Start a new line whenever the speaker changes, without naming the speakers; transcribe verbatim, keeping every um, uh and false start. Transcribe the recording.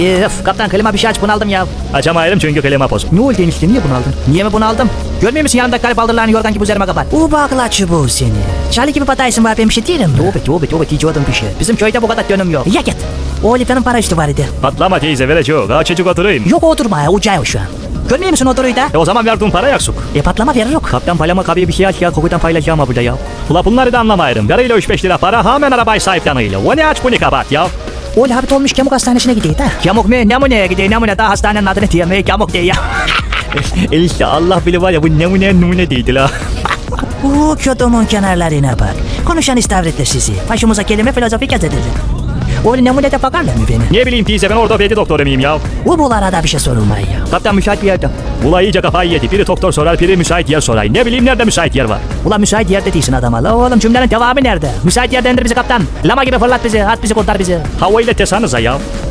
Öf kaptan klima bir şey aç bunaldım ya.
Açamayırım çünkü klima bozuk.
Ne oldu enişte niye bunaldın? Niye mi bunaldım? Görmüyor musun yanımdaki garip baldırlarını yorgan gibi üzerime kapat. U bakla çubuğu seni. Charlie gibi bataysın var ben bir şey değilim. Tövbe tövbe tövbe diyeceğim bir şey. Bizim köyde bu kadar dönüm yok. Ya git. O Olifa'nın para üstü var idi.
Patlama teyze vereceğim. Daha çocuk oturayım.
Yok oturma ya ucağı şu an. Görmüyor musun oturuyu da?
E o zaman verdiğin para yaksuk.
E patlama verir yok.
Kaptan palama kabiye bir şey aç ya. Kokudan paylaşacağım ha burada ya. Ula bunları da anlamayırım. Yarıyla üç beş lira para hemen arabayı sahiplenmeyle. O ne aç bunu kapat ya.
Oğlu habit olmuş Kemuk hastanesine gidiyor da. Kemuk mu? Ne mu ne gidiyor? Ne mu ne? Daha hastanenin adını diyemiyor. Kemuk diye ya.
İşte Allah bile var ya bu nemune numune değildi la.
Uuu kötümün kenarlarına bak. Konuşan istavritler sizi. Başımıza kelime filozofik yaz edilir. Oğlu ne mu ne de bakarlar mı beni?
Ne bileyim teyze ben ortopedi doktoru muyum ya.
Bu bu arada bir şey sorulmuyor ya.
Kaptan müsait bir yerde. Ula iyice kafayı yedi. Biri doktor sorar, biri müsait yer sorar. Ne bileyim nerede müsait yer var.
Ulan müsait yerde değilsin adama. La oğlum cümlenin devamı nerede? Müsait yerde indir bizi kaptan. Lama gibi fırlat bizi. At bizi kurtar bizi.
Hava ile tesanıza ya.